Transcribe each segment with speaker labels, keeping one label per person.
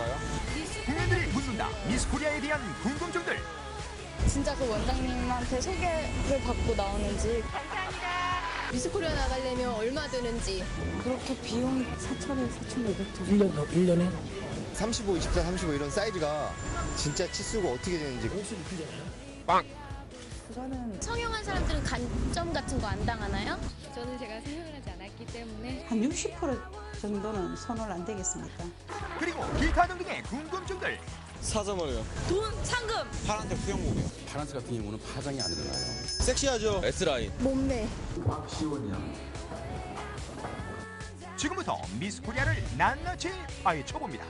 Speaker 1: 좋아요.
Speaker 2: 국민들이 묻는다. 미스 코리아에 대한 궁금증들.
Speaker 3: 진짜 그 원장님한테 소개를 받고 나오는지.
Speaker 4: 미스코리아 나가려면 얼마 드는지.
Speaker 3: 그렇게 비용이 4,000에 4,500 정도.
Speaker 5: 1년에?
Speaker 1: 35, 24, 35 이런 사이즈가 진짜 치수가 어떻게 되는지.
Speaker 5: 옷을 입히잖아요.
Speaker 1: 빵!
Speaker 3: 그거는
Speaker 4: 성형한 사람들은 간점 같은 거 안 당하나요? 저는 제가 성형을 하지 않았기 때문에
Speaker 6: 한 60% 정도는 손을 안 대겠습니까?
Speaker 2: 그리고 기타 등등의 궁금증들.
Speaker 1: 사자머리요.
Speaker 4: 돈, 상금.
Speaker 1: 파란색 수영복이요.
Speaker 7: 파란색 같은 경우는 파장이 안 일어나요.
Speaker 1: 섹시하죠? S라인.
Speaker 4: 몸매.
Speaker 2: 지금부터 미스 코리아를 낱낱이 파헤쳐봅니다.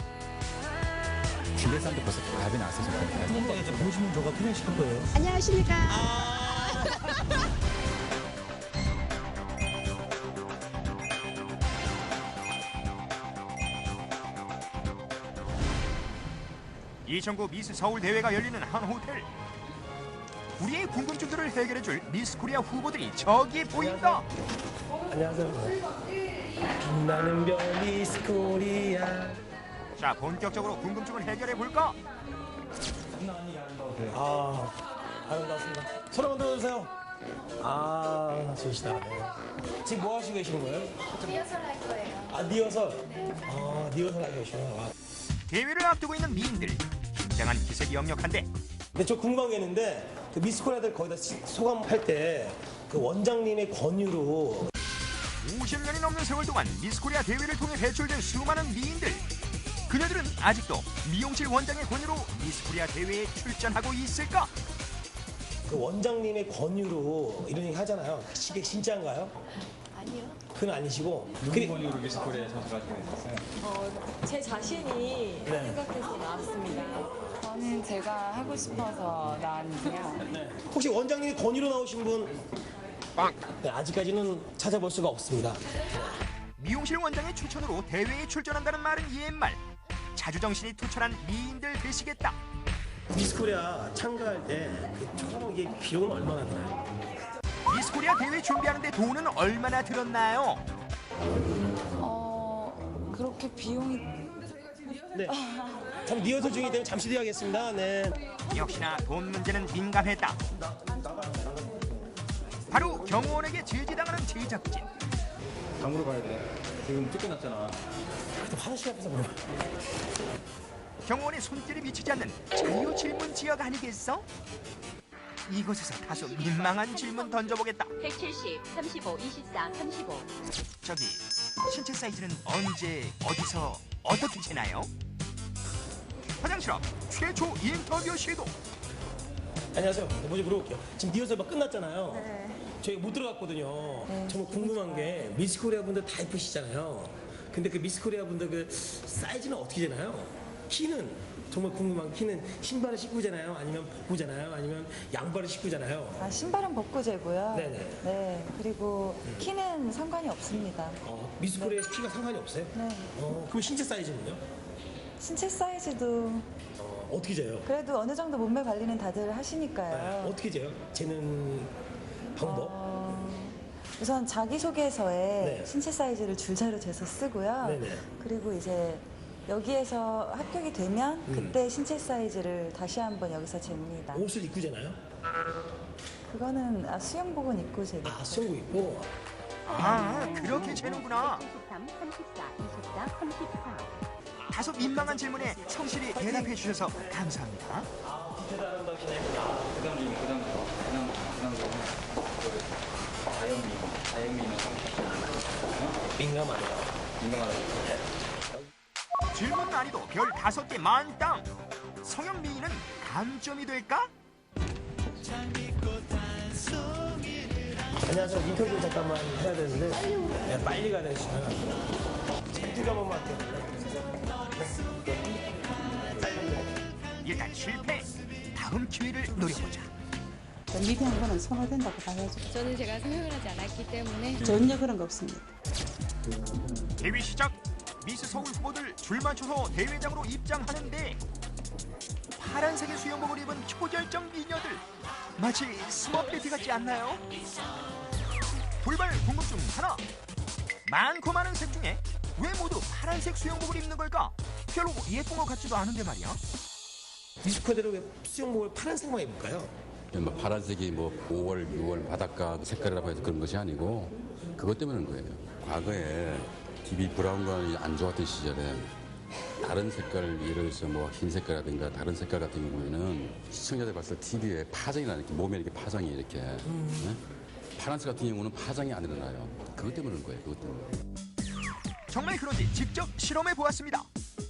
Speaker 7: 기대산도 벌써 답이 나왔어요.
Speaker 5: 보시면 저가 그냥 시킬 거예요.
Speaker 4: 안녕하십니까.
Speaker 2: (2009) 미스 서울 대회가 열리는 한 호텔. 우리의 궁금증들을 해결해줄 미스 코리아 후보들이 저기 보인다.
Speaker 5: 안녕하세요. 빛나는 별 미스 코리아.
Speaker 2: 자, 본격적으로 궁금증을 해결해볼까?
Speaker 5: 아름답습니다. 손 한번 들어주세요. 좋으시다. 지금 뭐 하시고 계시는 거예요?
Speaker 3: 리허설 할 거예요.
Speaker 5: 리허설? 리허설 하고 계시구나.
Speaker 2: 대회를 앞두고 있는 미인들. 긴장한 기색이 역력한데
Speaker 5: 근데 저 궁금한 게 있는데, 그 미스 코리아들 거기다 소감할 때, 그 원장님의 권유로
Speaker 2: 50년이 넘는 세월 동안 미스 코리아 대회를 통해 배출된 수많은 미인들. 그녀들은 아직도 미용실 원장의 권유로 미스 코리아 대회에 출전하고 있을까?
Speaker 5: 그 원장님의 권유로 이런 얘기 하잖아요. 이게 진짜인가요?
Speaker 3: 아니요.
Speaker 5: 그건 아니시고.
Speaker 8: 누구 권유로 미스 코리아 선수가 되셨어요?
Speaker 9: 제 자신이
Speaker 5: 네.
Speaker 9: 생각해서 나왔습니다.
Speaker 3: 저는 제가 하고 싶어서 나왔는데요.
Speaker 5: 혹시 원장님이 권유로 나오신 분?
Speaker 1: 빵!
Speaker 5: 네, 아직까지는 찾아볼 수가 없습니다.
Speaker 2: 미용실 원장의 추천으로 대회에 출전한다는 말은 옛말. 자주정신이 투철한 미인들 되시겠다.
Speaker 5: 미스 코리아 참가할 때 총 이게 비용은 얼마나 드나요?
Speaker 2: 미스 코리아 대회 준비하는데 돈은 얼마나 들었나요?
Speaker 3: 그렇게 비용이
Speaker 5: 네. 참 리허설 중이기 때문에 잠시 뒤에 하겠습니다. 네.
Speaker 2: 역시나 돈 문제는 민감했다. 바로 경호원에게 제지당하는 제작진.
Speaker 8: 장으로 가야 돼. 지금 쫓겨났잖아.
Speaker 5: 또 화장실 앞에서 물어봐.
Speaker 2: 경호원의 손길이 미치지 않는 자유 질문 지역 아니겠어? 이곳에서 다소 민망한 질문 던져보겠다.
Speaker 10: 170, 35, 24, 35.
Speaker 2: 저기, 신체 사이즈는 언제, 어디서, 어떻게 재나요? 화장실 앞 최초 인터뷰 시도.
Speaker 5: 안녕하세요. 먼저 물어볼게요. 지금 리허설 막 끝났잖아요.
Speaker 3: 네.
Speaker 5: 저희가 못 들어갔거든요.
Speaker 3: 네.
Speaker 5: 정말 궁금한 게 미스 코리아 분들 다 예쁘시잖아요. 근데 그 미스 코리아 분들 그 사이즈는 어떻게 되나요? 키는 정말 궁금한 키는 신발을 신고 자나요? 아니면 벗고 자나요? 아니면 양발을 신고 자나요?
Speaker 3: 신발은 벗고 재고요.
Speaker 5: 네네.
Speaker 3: 네. 그리고 키는 상관이 없습니다.
Speaker 5: 미스 코리아 키가 상관이 없어요?
Speaker 3: 네.
Speaker 5: 그럼 신체 사이즈는요?
Speaker 3: 신체 사이즈도
Speaker 5: 어떻게 재요?
Speaker 3: 그래도 어느 정도 몸매 관리는 다들 하시니까요.
Speaker 5: 어떻게 재요? 재는 방법?
Speaker 3: 우선 자기소개서에
Speaker 5: 네.
Speaker 3: 신체 사이즈를 줄자로 재서 쓰고요.
Speaker 5: 네네.
Speaker 3: 그리고 이제 여기에서 합격이 되면 그때 신체 사이즈를 다시 한번 여기서 잽니다.
Speaker 5: 옷을 입고 재나요?
Speaker 3: 그거는 수영복은 입고 재고.
Speaker 5: 수영복 입고.
Speaker 2: 그렇게 재는구나.
Speaker 10: 23, 34, 24, 34.
Speaker 2: 다소 민망한 질문에 성실히 대답해 주셔서 감사합니다.
Speaker 5: 민감하네요.
Speaker 2: 질문 난이도 별 5개 만땅. 성형 미인은 감점이 될까?
Speaker 5: 안녕하세요. 인터뷰 잠깐만 해야 되는데. 네, 빨리 가야 되시면. 인터뷰 한 번만 할게요.
Speaker 2: 일단 실패. 다음 기회를 노려보자.
Speaker 6: 미비한 거는 선호된다고 봐야죠.
Speaker 4: 저는 제가 성형을 하지 않았기 때문에
Speaker 6: 전혀 그런 거 없습니다.
Speaker 2: 대회 시작. 미스 서울 후보들 줄 맞춰서 대회장으로 입장하는데 파란색의 수영복을 입은 초절정 미녀들 마치 스머페티 같지 않나요? 돌발 궁금증 하나. 많고 많은 색 중에 왜 모두 파란색 수영복을 입는 걸까? 별로 예쁜 것 같지도 않은데 말이야.
Speaker 5: 미스코리아대로 왜 수영복을 파란색만 입을까요?
Speaker 7: 뭐 파란색이 뭐 5월, 6월 바닷가 색깔이라고 해서 그런 것이 아니고 그것 때문인 거예요. 과거에 TV 브라운관이 안 좋았던 시절에 다른 색깔, 예를 들어서 뭐 흰 색깔이라든가 다른 색깔 같은 경우에는 시청자들 봤을 때 TV에 파장이 나는 게 몸에 이렇게 파장이 이렇게 네? 파란색 같은 경우는 파장이 안 일어나요. 그것 때문인 거예요. 그것 때문에.
Speaker 2: 정말 그런지 직접 실험해 보았습니다.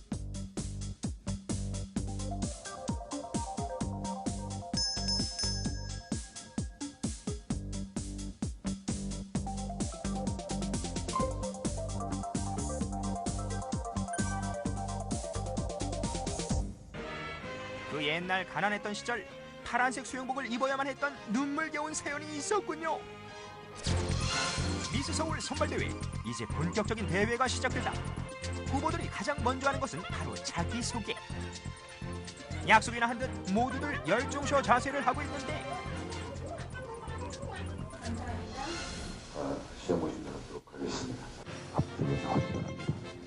Speaker 2: 그 옛날 가난했던 시절 파란색 수영복을 입어야만 했던 눈물겨운 사연이 있었군요. 미스 서울 선발대회, 이제 본격적인 대회가 시작된다. 후보들이 가장 먼저 하는 것은 바로 자기소개. 약속이나 한 듯 모두들 열중쇼 자세를 하고 있는데
Speaker 11: 시험 모집하도록 하겠습니다. 앞쪽에 나와주기 바랍니다.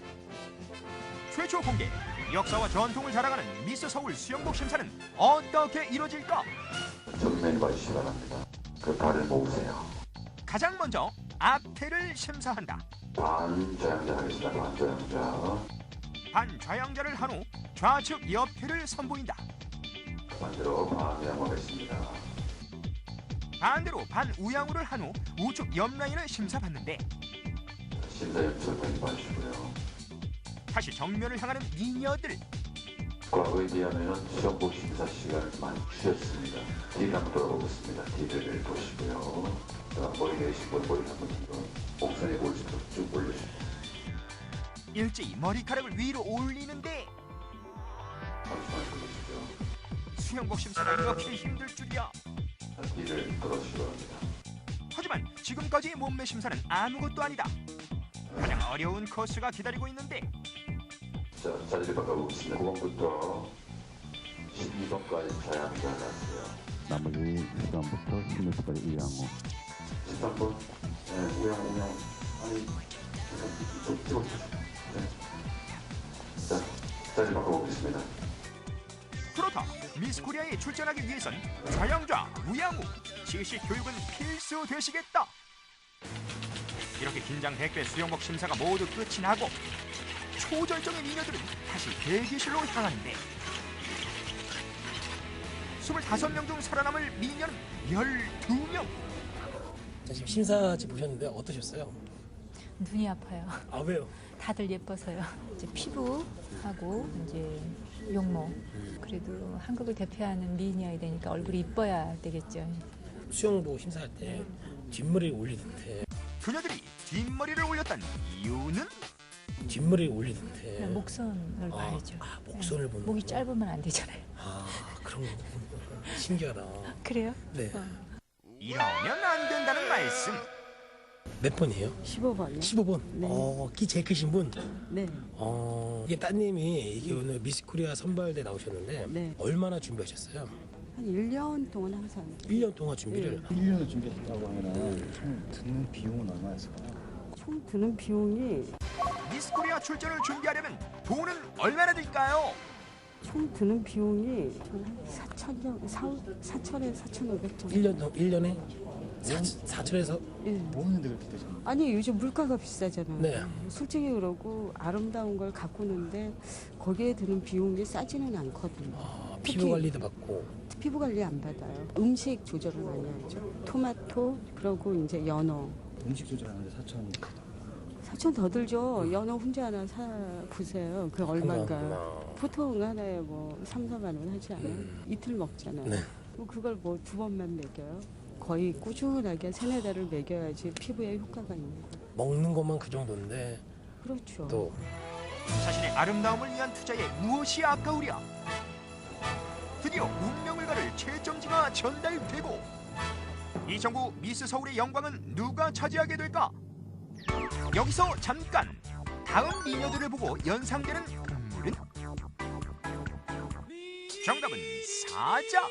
Speaker 2: 최초 공개, 역사와 전통을 자랑하는 미스 서울 수영복 심사는 어떻게 이루어질까?
Speaker 11: 정면에 봐주시기 바랍니다. 그 발을 모으세요.
Speaker 2: 가장 먼저 앞태를 심사한다.
Speaker 11: 반좌양자 하겠습니다. 반좌양자.
Speaker 2: 반좌양자를 한 후 좌측 옆태를 선보인다.
Speaker 11: 반대로 반우양우 하겠습니다.
Speaker 2: 반대로 반우양우를 한 후 우측 옆라인을 심사받는데
Speaker 11: 심사 연습을 많이 봐주시고요.
Speaker 2: 다시 정면을 향하는 미녀들.
Speaker 11: 과거에 비하면 시험복 심사 시간을 많이 줄였습니다. 뒤를 한번 돌아보겠습니다. 뒤를 보시고요. 머리 내리신 분 머리 한번 뒤로 옥선에 올리도록 쭉 올려주세요.
Speaker 2: 일제히 머리카락을 위로 올리는데
Speaker 11: 잠시만 돌리시죠.
Speaker 2: 수영복 심사가 이렇게 힘들 줄이야.
Speaker 11: 뒤를 돌아주시기 바랍니다.
Speaker 2: 하지만 지금까지의 몸매 심사는 아무것도 아니다. 가장 어려운 코스가 기다리고 있는데
Speaker 11: 자, 자리를 바꿔보겠습니다. 9번부터 12번까지 좌양자 나왔어요.
Speaker 7: 나머지 13번부터 16번까지 우양우.
Speaker 11: 13번, 네, 우양. 아니, 좀 찍어주세요. 네. 자, 자리 바꿔보겠습니다.
Speaker 2: 그렇다. 미스 코리아에 출전하기 위해선 좌양좌, 우양우, 지식 교육은 필수 되시겠다. 이렇게 긴장 백배 수영복 심사가 모두 끝이 나고 초절정의 미녀들은 다시 대기실로 향하는데 25명 중 살아남을 미녀는 12명.
Speaker 5: 자, 지금 심사지 보셨는데 어떠셨어요?
Speaker 12: 눈이 아파요.
Speaker 5: 아, 왜요?
Speaker 12: 다들 예뻐서요. 이제 피부하고 이제 용모. 그래도 한국을 대표하는 미인이어야 되니까 얼굴이 이뻐야 되겠죠.
Speaker 5: 수영복 심사할 때 뒷머리를 올리던데.
Speaker 2: 그녀들이 뒷머리를 올렸던 이유는
Speaker 5: 뒷머리를 올리던데.
Speaker 12: 그냥 목선을 봐야죠.
Speaker 5: 목선을 보는.
Speaker 12: 목이 짧으면 안 되잖아요.
Speaker 5: 그런 거 신기하다.
Speaker 12: 그래요?
Speaker 5: 네.
Speaker 2: 이러면 안 된다는 말씀.
Speaker 5: 몇 번이에요?
Speaker 6: 15번이요.
Speaker 5: 15번.
Speaker 6: 네.
Speaker 5: 키 제일 크신 분.
Speaker 6: 네.
Speaker 5: 이게 따님이 이게 오늘 미스 코리아 선발대 나오셨는데
Speaker 6: 네.
Speaker 5: 얼마나 준비하셨어요?
Speaker 6: 한 1년 동안 항상.
Speaker 5: 1년 동안 준비를.
Speaker 8: 1년을 준비했다고 하면 총 드는 비용은 얼마였을까요?
Speaker 6: 총 드는 비용이
Speaker 2: 미스 코리아 출전을 준비하려면 돈은 얼마나 들까요?
Speaker 6: 총 드는 비용이 4천에서 4,500 정도.
Speaker 5: 1년에 4천에서
Speaker 6: 예.
Speaker 8: 뭐 하는데 그렇게 되셨나요?
Speaker 6: 아니 요즘 물가가 비싸잖아요.
Speaker 5: 네.
Speaker 6: 솔직히 그러고 아름다운 걸 가꾸는데 거기에 드는 비용이 싸지는 않거든요.
Speaker 5: 피부 관리도 받고.
Speaker 6: 피부 관리 안 받아요. 음식 조절을 많이 하죠. 토마토 그러고 이제 연어.
Speaker 8: 음식 조절하는데 4천이
Speaker 6: 4천 더 들죠. 연어 혼자 하나 사 보세요. 그 얼마인가.
Speaker 5: 그렇구나.
Speaker 6: 보통 하나에 뭐 3, 4만 원 하지 않아요? 이틀 먹잖아요.
Speaker 5: 네.
Speaker 6: 그걸 뭐 2번만 먹여요. 거의 꾸준하게 3, 4달을 먹여야지 피부에 효과가 있는 거예요.
Speaker 5: 먹는 것만 그 정도인데.
Speaker 6: 그렇죠.
Speaker 5: 또
Speaker 2: 자신의 아름다움을 위한 투자에 무엇이 아까우랴. 드디어 운명을 가를 최정지가 전달되고 이정구 미스 서울의 영광은 누가 차지하게 될까? 여기서 잠깐 다음 미녀들을 보고 연상되는 동물은? 정답은 사자.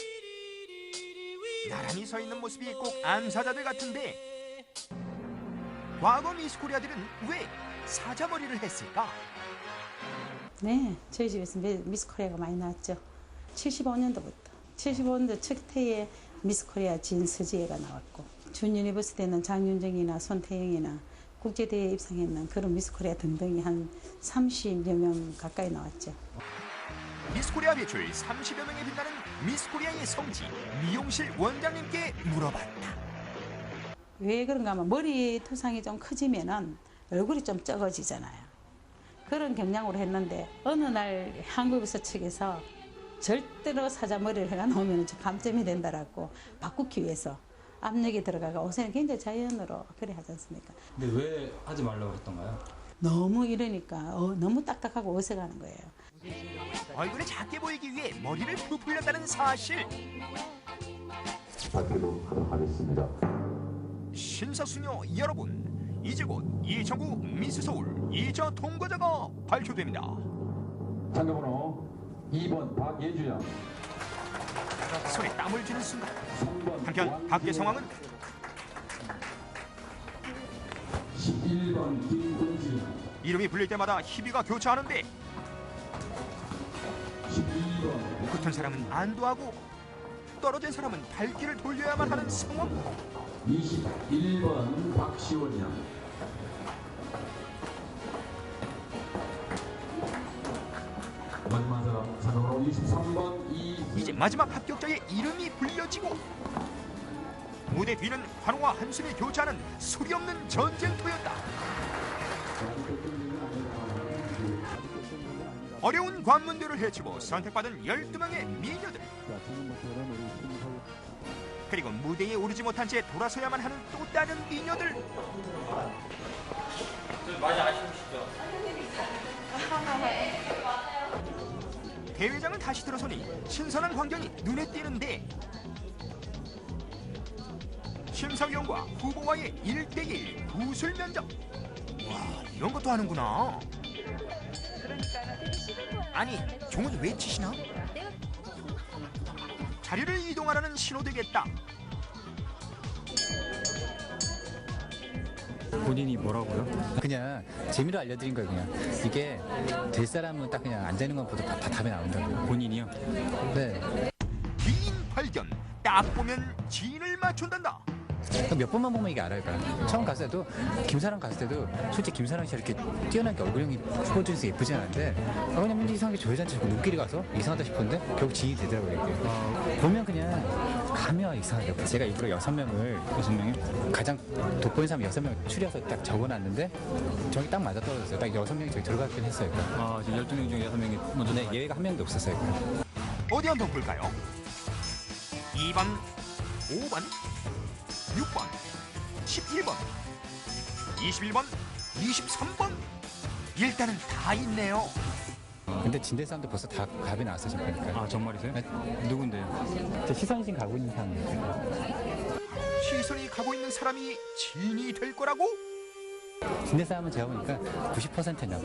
Speaker 2: 나란히 서 있는 모습이 꼭 암사자들 같은데 과거 미스 코리아들은 왜 사자 머리를 했을까?
Speaker 13: 네, 저희 집에서 미스 코리아가 많이 나왔죠. 75년도부터. 75년도 첫 해에 미스 코리아 진서지혜가 나왔고, 준 유니버시티는 장윤정이나 손태영이나 국제대회에 입상했는 그런 미스 코리아 등등이 한 30여 명 가까이 나왔죠.
Speaker 2: 미스 코리아 배출 30여 명에 빛나는 미스 코리아의 성지 미용실 원장님께 물어봤다.
Speaker 13: 왜 그런가 하면 머리 투상이 좀 커지면은 얼굴이 좀 적어지잖아요. 그런 경향으로 했는데 어느 날 한국에서 측에서 절대로 사자 머리를 해가 나오면 감점이 된다라고 바꾸기 위해서 압력이 들어가가 옷에는 굉장히 자연으로 그래 하지 않습니까?
Speaker 8: 근데 왜 하지 말라고 그랬던가요?
Speaker 13: 너무 이러니까 너무 딱딱하고 어색하는 거예요.
Speaker 2: 얼굴이 작게 보이기 위해 머리를 부풀렸다는 사실.
Speaker 11: 밝히도록 하도록 하겠습니다.
Speaker 2: 신사수녀 여러분, 이제 곧 2009 미스 서울 2차 통과자가 발표됩니다.
Speaker 11: 참가번호 2번 박예주양.
Speaker 2: 손에 땀을 쥐는 순간 한편 밖의 상황은
Speaker 11: 11번 김동진.
Speaker 2: 이름이 불릴 때마다 희비가 교차하는데
Speaker 11: 12번
Speaker 2: 붙은 사람은 안도하고 떨어진 사람은 발길을 돌려야만 하는 상황.
Speaker 11: 21번 박시원 양. 마지막 사람 참가번호 23번
Speaker 2: 이제 마지막 합격자의 이름이 불려지고 무대 뒤는 환호와 한숨이 교차하는 소리 없는 전쟁터였다. 어려운 관문들을 헤치고 선택받은 12명의 미녀들. 그리고 무대에 오르지 못한 채 돌아서야만 하는 또 다른 미녀들.
Speaker 8: 많이 아쉬우시죠?
Speaker 2: 대회장은 다시 들어서니 신선한 광경이 눈에 띄는데 심사위원과 후보와의 1대1 구술 면접. 와, 이런 것도 하는구나. 아니, 종은 왜 치시나? 자리를 이동하라는 신호 되겠다.
Speaker 8: 본인이 뭐라고요?
Speaker 14: 그냥 재미로 알려드린 거예요. 그냥 이게 될 사람은 딱 그냥 앉아 있는 것보다 다 답이 나온다고요.
Speaker 8: 본인이요?
Speaker 14: 네.
Speaker 2: 기인 발견. 딱 보면 지인을 맞춘단다.
Speaker 14: 몇 번만 보면 이게 알아요. 그러니까. 처음 갔을 때도 김사랑 갔을 때도 솔직히 김사랑 씨 이렇게 뛰어나게 얼굴형이 후보 중에서 예쁘지 않은데 왜냐면 이상하게 저 여자한테 자꾸 눈길이 가서 이상하다 싶었는데 결국 지인이 되더라고요. 이게. 보면 그냥 가면 이상하게. 제가 일부러 6명이 가장 돋보이는 사람 6명 추려서 딱 적어놨는데 저기 딱 맞아 떨어졌어요. 딱 6명이 저기 들어가긴 했어요. 그러니까.
Speaker 8: 아, 지금 12명 중에 6명이 먼저.
Speaker 14: 네, 예외가 한 명도 없었어요. 그러니까.
Speaker 2: 어디 한번 볼까요? 2번, 5번, 6번, 11번, 21번, 23번. 일단은 다 있네요.
Speaker 14: 근데 진대 사람도 벌써 다 답이 나왔어요. 지금 보니까.
Speaker 8: 아, 정말이세요?
Speaker 14: 네.
Speaker 8: 누군데요?
Speaker 14: 제 시선이 지금 가고 있는 사람이에요.
Speaker 2: 시선이 가고 있는 사람이 지인이 될 거라고?
Speaker 14: 진대 사람은 제가 보니까 90%냐고.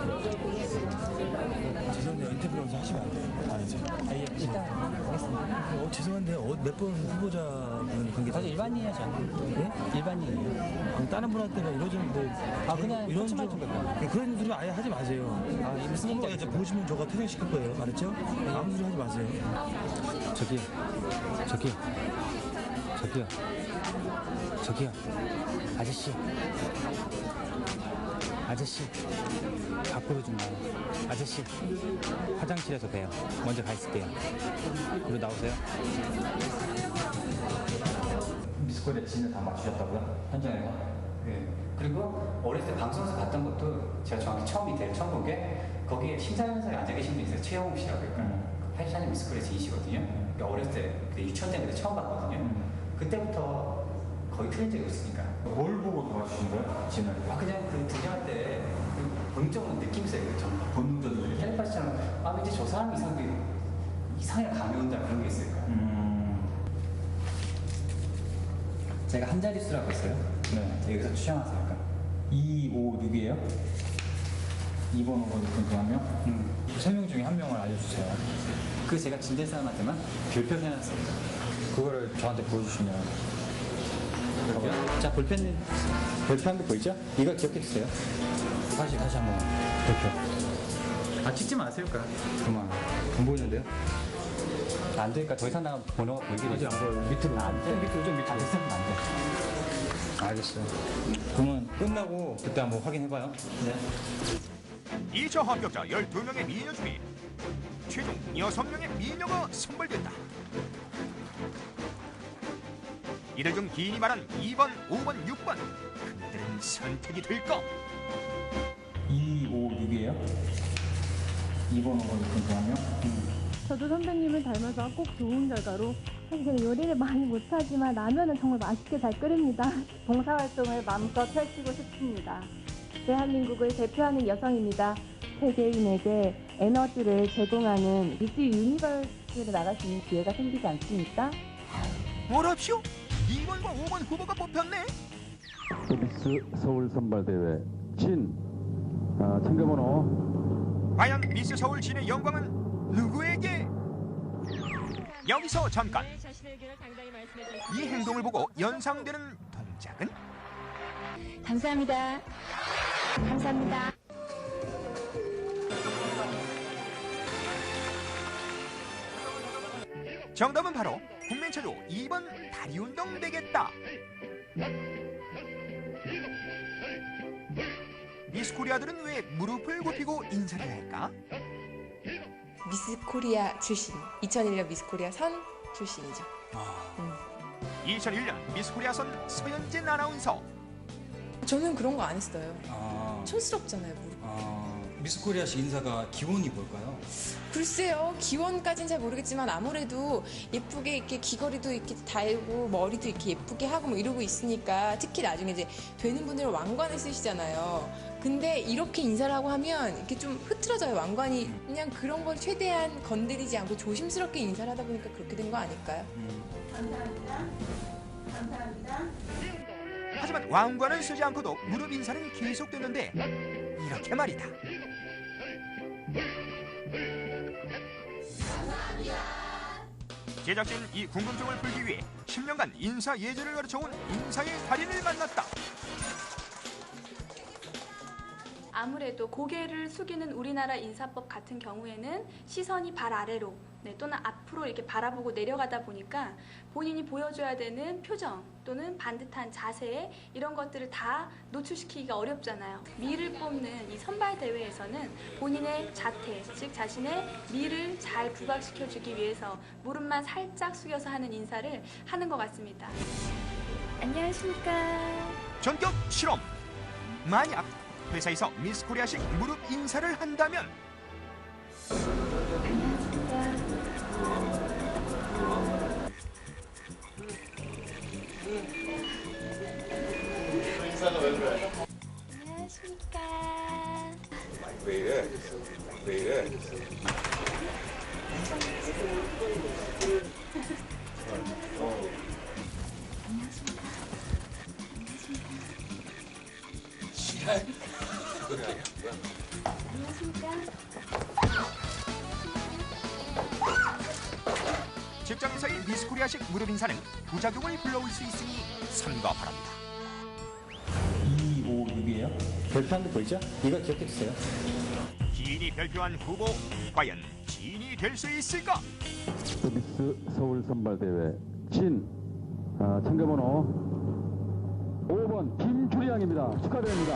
Speaker 5: 죄송한데 인터뷰를 하시면 안 돼요. 아니죠.
Speaker 14: 일단 하겠습니다.
Speaker 5: 죄송한데 몇 번 후보자분 관계.
Speaker 14: 저도 일반인이에요, 저는. 네? 일반인이에요.
Speaker 5: 그럼 다른 분한테는 이러는데
Speaker 14: 그냥
Speaker 5: 이런
Speaker 14: 좀
Speaker 5: 그런 소리 아예 하지 마세요.
Speaker 14: 무슨 얘기인지
Speaker 5: 보시면 저가 퇴장시킬 거예요. 알았죠? 아무 소리 하지 마세요.
Speaker 14: 저기요. 아저씨, 밖으로 좀 나와. 아저씨, 화장실에서 봬요. 먼저 가 있을게요. 그리고 나오세요. 미스코리아 진을 다 맞추셨다고요? 현장에서? 네. 그리고 어렸을 때 방송에서 봤던 것도 제가 정확히 처음 본 게 거기에 심사위원장에 앉아 계신 분이 있어요. 최영욱 씨라고. 그 84년 미스코리아 진이시거든요. 그러니까 어렸을 때 유치원 때 처음 봤거든요. 그때부터 거의 틀린 적이 없으니까.
Speaker 8: 뭘 보고 도와주신 거예요? 진을?
Speaker 14: 그냥 그 등장할 때 본능적으로 느낌이 있어요. 본능적으로. 텔레파시처럼 왠지 저 사람이 이상하게 감이 온다 그런 게 있어요. 제가 한 자릿수라고 했어요. 네. 여기서 추정하세요. 그러니까 2, 5, 6이에요? 2번, 5번, 6번 중 한 명? 3명 중에 한 명을 알려주세요. 그 제가 진대 사람한테만 별표를 해놨습니다. 그거를 저한테 보여주시면. 자, 별표 한 개 보이죠? 이거 기억해 주세요. 다시 한번 별표. 아 찍지 마세요, 그만. 안 보이는데요? 안 되니까 더 이상 나가면 번호가 보이게 되죠. 안 보여요. 밑으로. 안 돼. 밑으로 좀 밑으로. 안 돼. 알겠어요. 그러면 끝나고 그때 한번 확인해봐요. 네.
Speaker 2: 2차 합격자 12명의 미녀 중에 최종 6명의 미녀가 선발됐다. 이들 중 기인이 말한 2번, 5번, 6번 그들은 선택이 될까?
Speaker 14: 2, 5, 6이에요? 2번, 5번, 6번 좋아요?
Speaker 15: 저도 선배님을 닮아서 꼭 좋은 결과로. 사실 제가 요리를 많이 못하지만 라면은 정말 맛있게 잘 끓입니다. 봉사활동을 마음껏 펼치고 싶습니다. 대한민국을 대표하는 여성입니다. 세계인에게 에너지를 제공하는 미스 유니버스로 나갈 수 있는 기회가 생기지 않습니까?
Speaker 2: 뭐랍시오? 2번과 5번 후보가 뽑혔네?
Speaker 7: 미스 서울 선발대회 진 챙겨번호.
Speaker 2: 과연 미스 서울 진의 영광은 누구에게? 여기서 잠깐. 이 행동을 보고 연상되는 동작은?
Speaker 4: 감사합니다. 감사합니다.
Speaker 2: 정답은 바로 국민체조 2번 다리 운동 되겠다. 미스 코리아들은 왜 무릎을 굽히고 인사를 할까?
Speaker 16: 미스 코리아 출신, 2001년 미스 코리아 선 출신이죠.
Speaker 2: 2001년 미스 코리아 선 서현진 아나운서.
Speaker 16: 저는 그런 거 안 했어요. 촌스럽잖아요, 무릎.
Speaker 8: 미스 코리아식 인사가 기본이 뭘까요?
Speaker 16: 글쎄요, 기원까지는 잘 모르겠지만 아무래도 예쁘게 이렇게 귀걸이도 이렇게 달고 머리도 이렇게 예쁘게 하고 뭐 이러고 있으니까, 특히 나중에 이제 되는 분들은 왕관을 쓰시잖아요. 근데 이렇게 인사를 하고 하면 이렇게 좀 흐트러져요, 왕관이. 그냥 그런 걸 최대한 건드리지 않고 조심스럽게 인사를 하다 보니까 그렇게 된 거 아닐까요?
Speaker 13: 감사합니다. 감사합니다.
Speaker 2: 하지만 왕관을 쓰지 않고도 무릎 인사는 계속되는데 이렇게 말이다. 제작진 이 궁금증을 풀기 위해 10년간 인사 예절을 가르쳐온 인사의 달인을 만났다.
Speaker 17: 아무래도 고개를 숙이는 우리나라 인사법 같은 경우에는 시선이 발 아래로 또는 앞으로 이렇게 바라보고 내려가다 보니까 본인이 보여줘야 되는 표정 또는 반듯한 자세, 이런 것들을 다 노출시키기가 어렵잖아요. 미를 뽑는 이 선발 대회에서는 본인의 자태, 즉 자신의 미를 잘 부각시켜주기 위해서 무릎만 살짝 숙여서 하는 인사를 하는 것 같습니다.
Speaker 4: 안녕하십니까.
Speaker 2: 전격 실험. 만약 회사에서 미스 코리아식 무릎 인사를 한다면
Speaker 18: 인사가 왜 그래?
Speaker 4: 안녕하십니까.
Speaker 18: 왜 이래? 왜 이래?
Speaker 2: 직장에서의 미스 코리아식 무릎 인사는 부작용을 불러올 수 있으니 삼가 바랍니다.
Speaker 14: 2, 5, 6이에요? 별표한 데 보이죠? 이거 기억해 주세요.
Speaker 2: 지인이 별표한 후보, 과연 지인이 될 수 있을까?
Speaker 7: 미스 서울 선발대회 진 챙겨번호 5번 김주리 양입니다. 축하드립니다.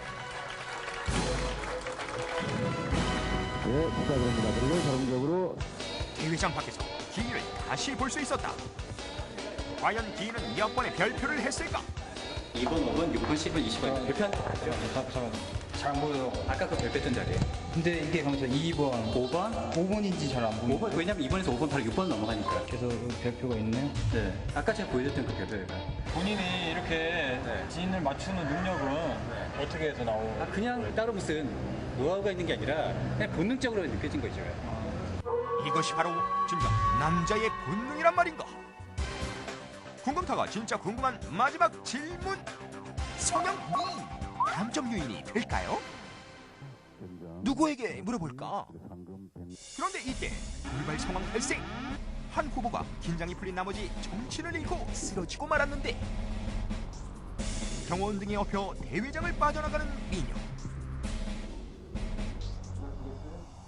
Speaker 7: 네, 축하드립니다. 그리고 자동적으로
Speaker 2: 대회장 밖에서 기인을 다시 볼 수 있었다. 과연 기인은 몇 번의 별표를 했을까?
Speaker 14: 2번, 5번, 6번, 10번, 20번 별표한 데 봤죠? 잠깐만. 잘 안 보여요. 아까 그 별표했던 자리에.
Speaker 8: 근데 이게 방금 2번,
Speaker 14: 5번인지 잘 안 보여요. 5번, 왜냐면 2번에서 5번 바로 6번 넘어가니까.
Speaker 8: 그래서 별표가 있네요.
Speaker 14: 네. 아까 제가 보여줬던 그 별표가.
Speaker 19: 본인이 이렇게 지인을 맞추는 능력은 어떻게 해서 나오고?
Speaker 14: 그냥 따로 무슨 노하우가 있는 게 아니라 그냥 본능적으로 느껴진 거죠.
Speaker 2: 이것이 바로 진정 남자의 본능이란 말인가? 궁금타가 진짜 궁금한 마지막 질문. 성형 미인 감점 요인이 될까요? 누구에게 물어볼까? 그런데 이때 돌발 상황 발생. 한 후보가 긴장이 풀린 나머지 정신을 잃고 쓰러지고 말았는데 경호원 등에 업혀 대회장을 빠져나가는 미녀.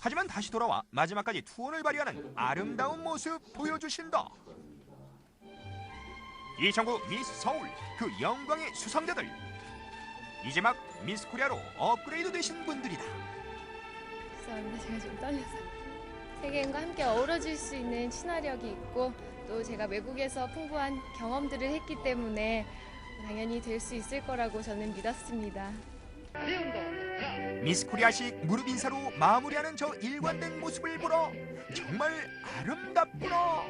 Speaker 2: 하지만 다시 돌아와 마지막까지 투혼을 발휘하는 아름다운 모습 보여주신다. 2009 미스 서울 그 영광의 수상자들. 이제 막 미스 코리아로 업그레이드 되신 분들이다.
Speaker 4: 죄송합니다. 제가 좀 떨려서. 세계인과 함께 어우러질 수 있는 친화력이 있고 또 제가 외국에서 풍부한 경험들을 했기 때문에 당연히 될 수 있을 거라고 저는 믿었습니다.
Speaker 2: 미스 코리아식 무릎 인사로 마무리하는 저 일관된 모습을 보러 정말 아름답구나.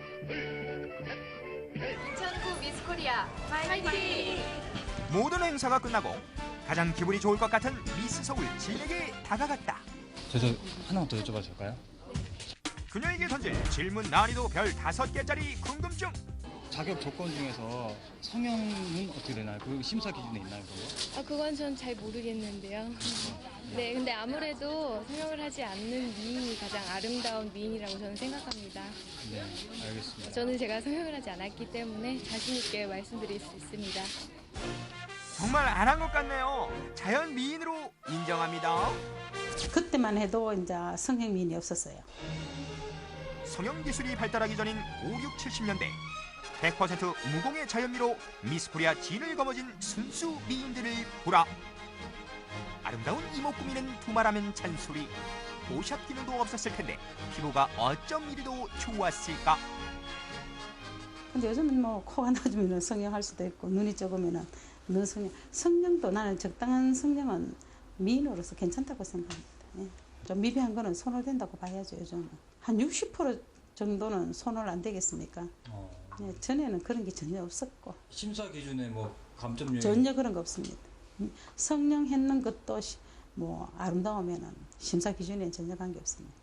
Speaker 17: 2009 미스 코리아 파이팅!
Speaker 2: 모든 행사가 끝나고 가장 기분이 좋을 것 같은 미스 서울 진에게 다가갔다.
Speaker 19: 저 하나만 더 여쭤봐도 될까요?
Speaker 2: 그녀에게 던질 질문 난이도 별 5개짜리 궁금증.
Speaker 19: 자격 조건 중에서 성형은 어떻게 되나요? 그 심사 기준에 있나요? 그거?
Speaker 4: 그건 전 잘 모르겠는데요. 네, 근데 아무래도 성형을 하지 않는 미인이 가장 아름다운 미인이라고 저는 생각합니다.
Speaker 19: 네, 알겠습니다.
Speaker 4: 저는 제가 성형을 하지 않았기 때문에 자신 있게 말씀드릴 수 있습니다.
Speaker 2: 정말 안 한 것 같네요. 자연 미인으로 인정합니다.
Speaker 13: 그때만 해도 이제 성형 미인이 없었어요.
Speaker 2: 성형 기술이 발달하기 전인 5, 6, 70년대 100% 무공의 자연미로 미스 코리아 진을 거머쥔 순수 미인들을 보라. 아름다운 이목 구미는 두말하면 잔소리. 보샵 기능도 없었을 텐데 피부가 어쩜 이리도 좋았을까.
Speaker 13: 근데 요즘은 뭐 코가 낮으면 성형할 수도 있고 눈이 적으면 눈 성형. 성형도 나는 적당한 성형은 미인으로서 괜찮다고 생각합니다. 예. 좀 미비한 거는 손홀된다고 봐야죠. 요즘은 한 60% 정도는 손홀 안 되겠습니까? 예, 전에는 그런 게 전혀 없었고.
Speaker 19: 심사 기준에 뭐 감점 요인
Speaker 13: 전혀 그런 거 없습니다. 성형했는 것도 뭐 아름다우면은 심사 기준에는 전혀 관계 없습니다.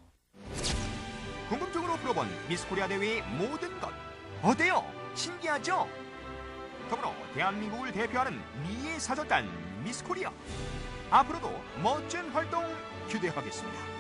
Speaker 2: 궁금증으로 풀어본 미스 코리아 대회의 모든 것 어때요? 신기하죠? 더불어 대한민국을 대표하는 미의 사절단 미스 코리아 앞으로도 멋진 활동 기대하겠습니다.